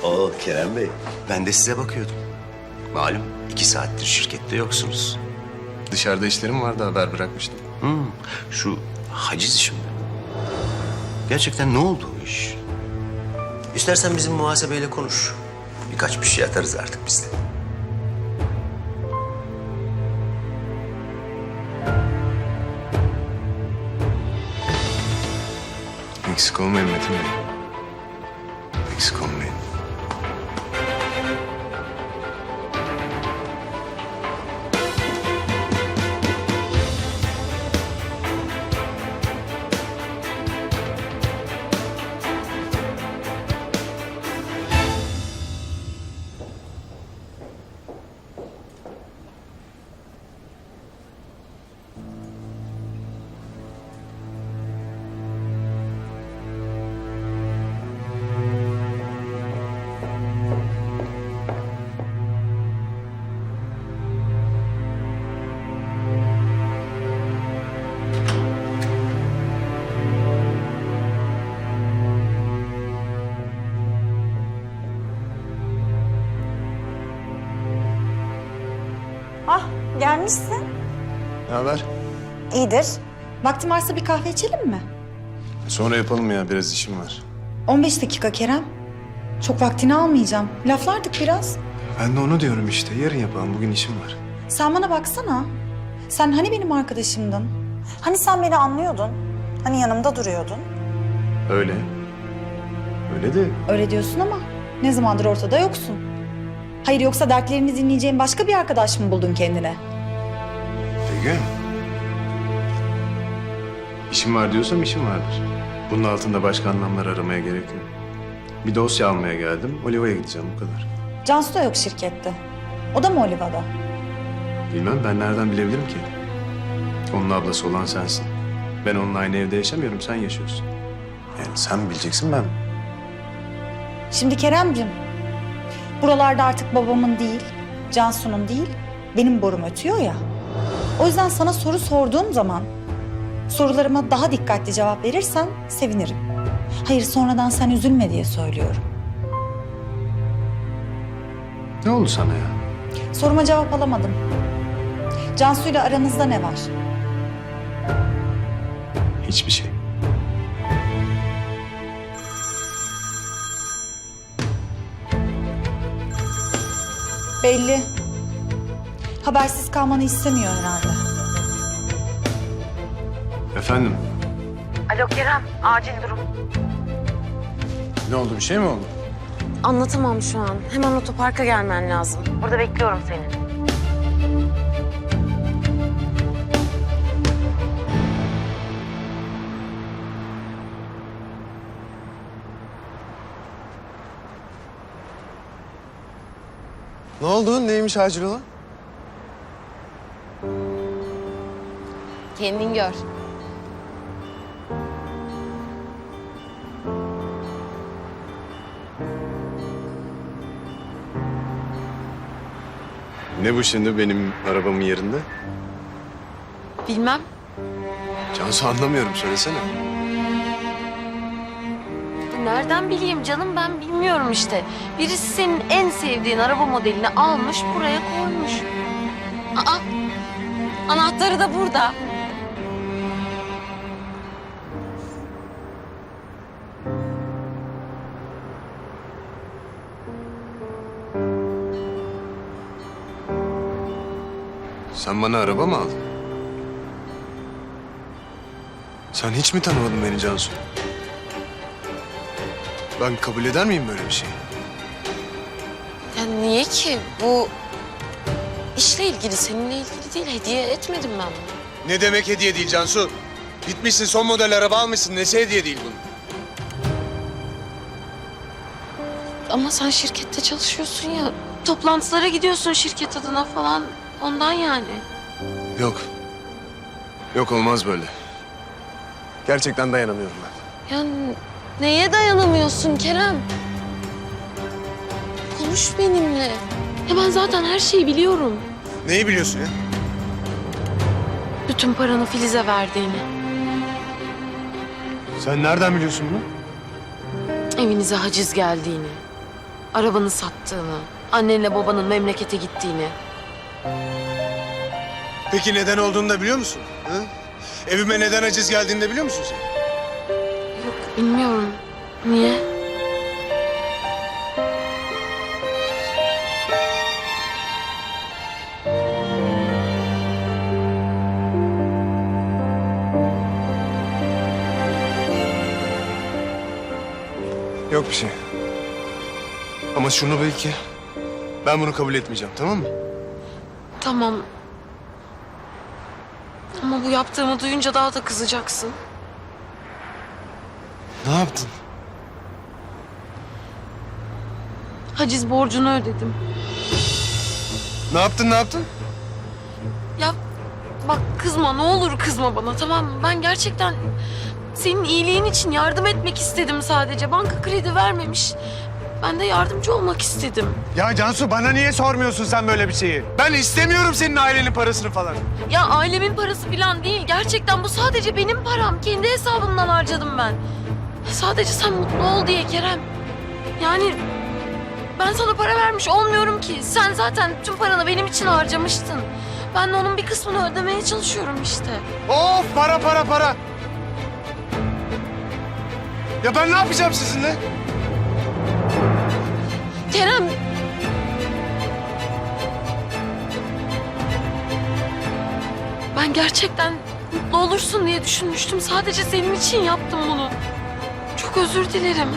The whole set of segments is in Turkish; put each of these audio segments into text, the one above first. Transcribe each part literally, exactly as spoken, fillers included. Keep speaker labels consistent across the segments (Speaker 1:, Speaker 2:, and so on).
Speaker 1: Oo Kerem Bey, ben de size bakıyordum. Malum iki saattir şirkette yoksunuz.
Speaker 2: Dışarıda işlerim vardı, haber bırakmıştım.
Speaker 1: Hmm, şu haciz işi mi? Gerçekten ne oldu o iş? İstersen bizim muhasebeyle konuş. Birkaç bir şey atarız artık biz de.
Speaker 2: Eksik olmayın Metin Bey. Eksik olmayın.
Speaker 3: Ah, gelmişsin.
Speaker 2: Ne haber?
Speaker 3: İyidir. Vaktin varsa bir kahve içelim mi?
Speaker 2: Sonra yapalım ya, biraz işim var.
Speaker 3: on beş dakika Kerem. Çok vaktini almayacağım. Laflardık biraz.
Speaker 2: Ben de onu diyorum işte, yarın yapalım, bugün işim var.
Speaker 3: Sen bana baksana. Sen hani benim arkadaşımdın? Hani sen beni anlıyordun? Hani yanımda duruyordun?
Speaker 2: Öyle. Öyle de
Speaker 3: Öyle diyorsun ama ne zamandır ortada yoksun. Hayır yoksa dertlerini dinleyeceğin başka bir arkadaş mı buldun kendine?
Speaker 2: Begüm. İşim var diyorsam işim vardır. Bunun altında başka anlamlar aramaya gerek yok. Bir dosya almaya geldim, Oliva'ya gideceğim, bu kadar.
Speaker 3: Cansu da yok şirkette. O da mı Oliva'da?
Speaker 2: Bilmem, ben nereden bilebilirim ki? Onun ablası olan sensin. Ben onunla aynı evde yaşamıyorum, sen yaşıyorsun. Yani sen bileceksin, ben.
Speaker 3: Şimdi Keremcim, buralarda artık babamın değil, Cansu'nun değil, benim borum ötüyor ya. O yüzden sana soru sorduğum zaman sorularıma daha dikkatli cevap verirsen sevinirim. Hayır sonradan sen üzülme diye söylüyorum.
Speaker 2: Ne oldu sana ya?
Speaker 3: Soruma cevap alamadım. Cansu'yla aranızda ne var?
Speaker 2: Hiçbir şey.
Speaker 3: Belli. Habersiz kalmanı istemiyor herhalde.
Speaker 2: Efendim?
Speaker 4: Alo Kerem, acil durum.
Speaker 2: Ne oldu, bir şey mi oldu?
Speaker 4: Anlatamam şu an. Hemen otoparka gelmen lazım. Burada bekliyorum seni.
Speaker 2: Ne oldu, neymiş acil olan?
Speaker 4: Kendin gör.
Speaker 2: Ne bu şimdi benim arabamın yerinde?
Speaker 4: Bilmem.
Speaker 2: Cansu, anlamıyorum, söylesene.
Speaker 4: Nereden bileyim canım, ben bilmiyorum işte. Birisi senin en sevdiğin araba modelini almış, buraya koymuş. Aa, anahtarı da burada.
Speaker 2: Sen bana araba mı aldın? Sen hiç mi tanımadın beni Cansu? Ben kabul eder miyim böyle bir şeyi?
Speaker 4: Ya niye ki? Bu işle ilgili, seninle ilgili değil. Hediye etmedim ben bunu.
Speaker 2: Ne demek hediye değil Cansu? Gitmişsin son model araba almışsın. Nesi hediye değil bunun?
Speaker 4: Ama sen şirkette çalışıyorsun ya. Toplantılara gidiyorsun şirket adına falan. Ondan yani.
Speaker 2: Yok. Yok, olmaz böyle. Gerçekten dayanamıyorum ben.
Speaker 4: Ya neye dayanamıyorsun Kerem? Konuş benimle. Ya ben zaten her şeyi biliyorum.
Speaker 2: Neyi biliyorsun ya?
Speaker 4: Bütün paranı Filiz'e verdiğini.
Speaker 2: Sen nereden biliyorsun bunu?
Speaker 4: Evinize haciz geldiğini. Arabanı sattığını, annenle babanın memlekete gittiğini.
Speaker 5: Peki neden olduğunu da biliyor musun? Hı? Evime neden aciz geldiğini de biliyor musun sen?
Speaker 4: Yok, bilmiyorum. Niye?
Speaker 2: Yok bir şey. Ama şunu bil ki ben bunu kabul etmeyeceğim, tamam mı?
Speaker 4: Tamam. Ama bu yaptığımı duyunca daha da kızacaksın.
Speaker 2: Ne yaptın?
Speaker 4: Haciz borcunu ödedim.
Speaker 2: Ne yaptın, ne yaptın?
Speaker 4: Ya bak kızma, ne olur kızma bana, tamam mı? Ben gerçekten senin iyiliğin için yardım etmek istedim sadece. Banka kredi vermemiş. Ben de yardımcı olmak istedim.
Speaker 5: Ya Cansu bana niye sormuyorsun sen böyle bir şeyi?
Speaker 2: Ben istemiyorum senin ailenin parasını falan.
Speaker 4: Ya ailemin parası falan değil. Gerçekten bu sadece benim param. Kendi hesabımdan harcadım ben. Sadece sen mutlu ol diye Kerem. Yani ben sana para vermiş olmuyorum ki. Sen zaten tüm paranı benim için harcamıştın. Ben de onun bir kısmını ödemeye çalışıyorum işte.
Speaker 5: Of para para para. Ya ben ne yapacağım sizinle?
Speaker 4: Kerem. Ben gerçekten mutlu olursun diye düşünmüştüm. Sadece senin için yaptım bunu. Çok özür dilerim.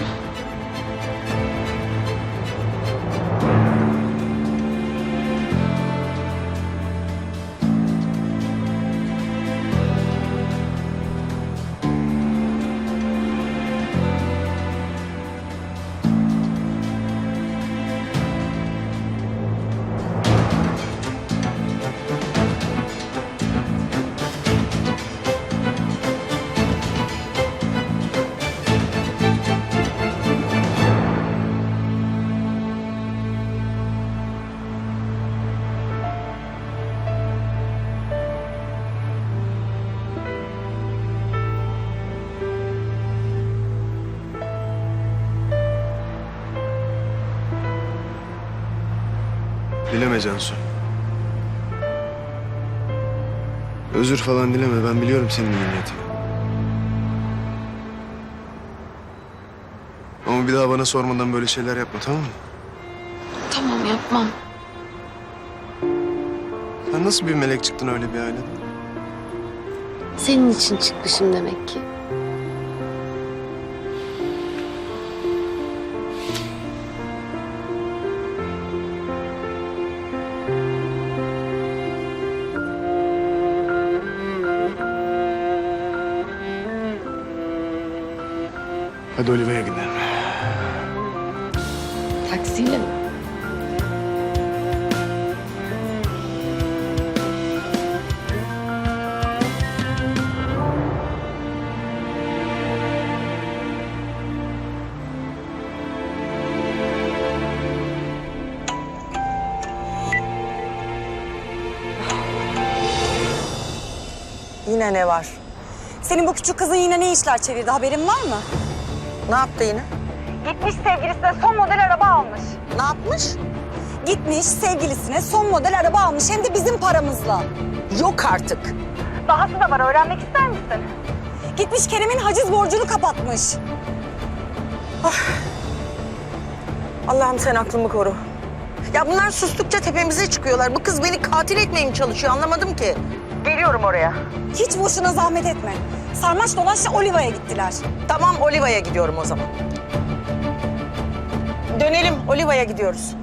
Speaker 2: Dileme Cansu. Özür falan dileme. Ben biliyorum senin iyi niyetini. Ama bir daha bana sormadan böyle şeyler yapma, tamam mı?
Speaker 4: Tamam, yapmam.
Speaker 2: Sen nasıl bir melek çıktın öyle bir aileden?
Speaker 4: Senin için çıkmışım demek ki.
Speaker 2: Hadi Oliva'ya gidelim.
Speaker 4: Taksiyle mi?
Speaker 6: Yine ne var? Senin bu küçük kızın yine ne işler çevirdi, haberin var mı?
Speaker 7: Ne yaptı yine?
Speaker 6: Gitmiş sevgilisine son model araba almış.
Speaker 7: Ne yapmış?
Speaker 6: Gitmiş sevgilisine son model araba almış, hem de bizim paramızla.
Speaker 7: Yok artık.
Speaker 6: Dahası da var, öğrenmek ister misin? Gitmiş Kerem'in haciz borcunu kapatmış.
Speaker 7: Allah'ım sen aklımı koru. Ya bunlar sustukça tepemize çıkıyorlar. Bu kız beni katil etmeye mi çalışıyor anlamadım ki. Geliyorum oraya.
Speaker 6: Hiç boşuna zahmet etme. Sarmaş dolaşla Oliva'ya gittiler.
Speaker 7: Tamam Oliva'ya gidiyorum o zaman. Dönelim Oliva'ya gidiyoruz.